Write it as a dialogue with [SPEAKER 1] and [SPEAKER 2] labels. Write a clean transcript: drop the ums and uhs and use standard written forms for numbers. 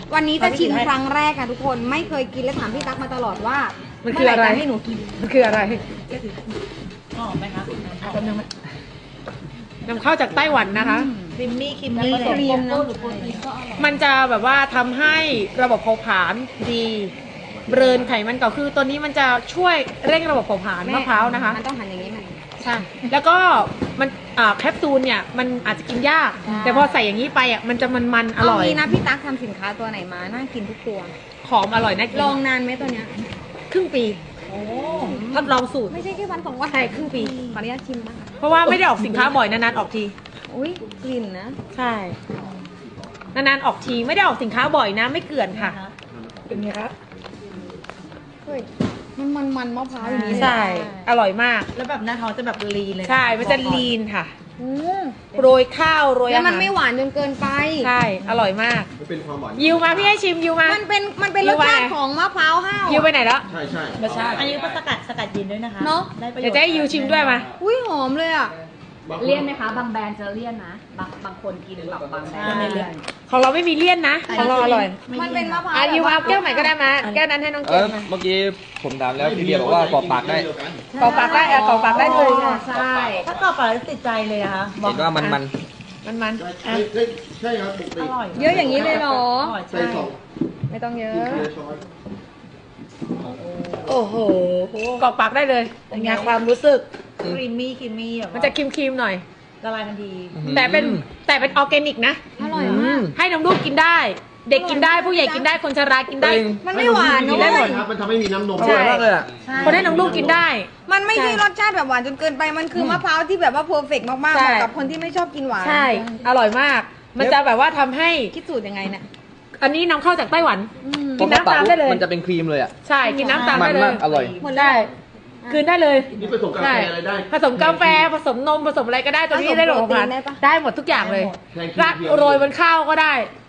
[SPEAKER 1] วันนี้จะชิมครั้งแรกค่ะทุกคนไม่เคยกินและถามพี่ตั๊กมาตลอดว่า
[SPEAKER 2] มันคืออะไร
[SPEAKER 1] เมื่หให้หนูกิน
[SPEAKER 2] มันคืออะไร
[SPEAKER 3] หอมไหมคะ
[SPEAKER 2] นำเข้าจากไต้หวันนะคะ
[SPEAKER 3] ครีมมี่ครีมมี่
[SPEAKER 1] ครีมเนอะ
[SPEAKER 2] มันจะแบบว่าทำให้ระบบเผาผลาญดีเบิร์นไขมันเก่าคือตัวนี้มันจะช่วยเร่งระบบเผาผลาญมะพร้าวนะคะ
[SPEAKER 1] มันต้องหั่นอย่างนี้มัน
[SPEAKER 2] ใช่แล้วก็มันแคปซูลเนี่ยมันอาจจะกินยาก
[SPEAKER 1] ใช่
[SPEAKER 2] แต่พอใส่อย่างนี้ไปอ่ะมันจะมันอร่อย
[SPEAKER 1] เางี้นะพี่ตั๊กทำสินค้าตัวไหนมาน่ากินทุกตัว
[SPEAKER 2] หอมอร่อยน่ากิน
[SPEAKER 1] ลองนานไหมตัวเนี้ย
[SPEAKER 2] ครึ่งปีทดลองสูตร
[SPEAKER 1] ไม่ใช่แค่วันสองวัน
[SPEAKER 2] ใช่ครึ่งปี
[SPEAKER 1] ขออนุญาตชิมบ้าง
[SPEAKER 2] เพราะว่าไม่ได้ออกสินค้าบ่อยนานๆออกที
[SPEAKER 1] อุ้ยกลิ่นนะ
[SPEAKER 2] ใช่นานๆออกทีไม่ได้ออกสินค้าบ่อยนะไม่เกลื่อนค่ะ
[SPEAKER 3] เป็นไงคะ
[SPEAKER 1] เฮ้ยมันมะพร้าวอย่างนี้เลย
[SPEAKER 2] ใช่ อร่อยมาก
[SPEAKER 3] แล้วแบบหน้าท้องจะแบบลีนเลย
[SPEAKER 2] ใช่มันจะลีนค่ะ
[SPEAKER 1] อืม
[SPEAKER 2] โรยข้าวโรย
[SPEAKER 1] แล้ว
[SPEAKER 2] อา
[SPEAKER 1] มัน
[SPEAKER 2] หาร
[SPEAKER 1] ไม่หวานจนเกินไป
[SPEAKER 2] ใช่อร่อยมาก
[SPEAKER 4] มันเป็นความหวาน
[SPEAKER 2] ยิวมาพี่ให้ชิมยิวมา
[SPEAKER 1] มันเป็นรสชาติของมะพร้าวห้าว
[SPEAKER 2] ยิวไปไหนแล้ว
[SPEAKER 4] ใช่ใช่
[SPEAKER 3] รสชาติอันนี้ก็สกัดเย็นด้วยนะคะ
[SPEAKER 1] เนอะ
[SPEAKER 3] ได้ประโยชน์
[SPEAKER 2] เดี๋ยวจะให้ยิวชิมด้วยมา
[SPEAKER 1] อุ้ยหอมเลยอ่ะ
[SPEAKER 5] เลี่ยนไหมคะ บางแบรนด์จะเลี่ยนนะ บางคนกินแบบบางแบรนด์ไม่เลี่ยน
[SPEAKER 2] ของเราไม่มีเลี่ยนนะของเราอร่อย
[SPEAKER 1] มันเป็นมะพร้าว
[SPEAKER 2] ยิวเอาแก้วใหม่ก็ได้มาแก้วนั้นให้น้องเกดมา
[SPEAKER 6] เมื่อกี้ผมถามแล้วพี่เบียร์บอกว่ากรอกปากได้
[SPEAKER 2] กรอกปากได้กรอกปากได้เลยค่ะ
[SPEAKER 5] ใช่
[SPEAKER 3] ถ้ากรอบปากแล้วติดใจเลยอะคะ
[SPEAKER 6] เห็นว่ามัน
[SPEAKER 2] มัน
[SPEAKER 4] ใช่ครับปกติ
[SPEAKER 3] อร่อย
[SPEAKER 1] เยอะอย่างนี้เลยเหรอ
[SPEAKER 3] อร่อย
[SPEAKER 4] ใส่
[SPEAKER 3] ใช่
[SPEAKER 4] สอง
[SPEAKER 1] ไม่ต้องเยอะ
[SPEAKER 4] ช้อน
[SPEAKER 2] โอ้โหกรอกปากได้เลยเป็นไงความรู้สึก
[SPEAKER 3] ครีมมี่แบบ
[SPEAKER 2] มันจะครีมๆหน่อย
[SPEAKER 3] ละลายทันที
[SPEAKER 2] แต่เป็นออร์แกนิกนะ
[SPEAKER 1] อร่อยมาก
[SPEAKER 2] ให้น้ำลูกกินได้ เด็กกินได้ผู้ใหญ่กินได้คนชรากินได้
[SPEAKER 1] มันไม่หวาน
[SPEAKER 2] กิ
[SPEAKER 1] นะ
[SPEAKER 2] นได้
[SPEAKER 1] เว้
[SPEAKER 2] หม
[SPEAKER 1] ย
[SPEAKER 2] ด
[SPEAKER 4] ครับมันทำให้มีน้ำนม
[SPEAKER 6] อร่อยมากเลยอ่ะ
[SPEAKER 2] คนให้น้ำลูกกินได้
[SPEAKER 1] มันไม่ใช่รสชาติแบบหวานจนเกินไป มันคือมะพร้าวที่แบบว่าเพอร์เฟกต์มากๆ
[SPEAKER 2] ใช่
[SPEAKER 1] เหมาะกับคนที่ไม่ชอบกินหวาน
[SPEAKER 2] ใช่ อร่อยมาก มันจะแบบว่าทำให้
[SPEAKER 1] คิดสูตรยังไงเนี่ย
[SPEAKER 2] อันนี้นำเข้าจากไต้หวัน
[SPEAKER 1] อืม
[SPEAKER 2] กินน้ำตามได้เลย
[SPEAKER 6] มันจะเป็นครีมเลยอ่ะ
[SPEAKER 2] ใช่ กินน้ำตาม
[SPEAKER 6] มั
[SPEAKER 2] ได้
[SPEAKER 6] น
[SPEAKER 2] เล
[SPEAKER 6] มาย กอร่อย
[SPEAKER 1] หมดแล้ว
[SPEAKER 2] ได้คืนได้เลย
[SPEAKER 4] นี่ผสมกาแฟอะไรได้
[SPEAKER 2] ผสมกาแฟผสมนมผสมอะไรก็ได้ตัวนี้ได้หมด
[SPEAKER 1] ผสมโปรตีนได้ปะ
[SPEAKER 2] ได้หมดทุกอย่างเลย
[SPEAKER 4] แทน
[SPEAKER 2] ราด
[SPEAKER 4] เพียวๆ
[SPEAKER 2] โรยบนข้าวก็ได้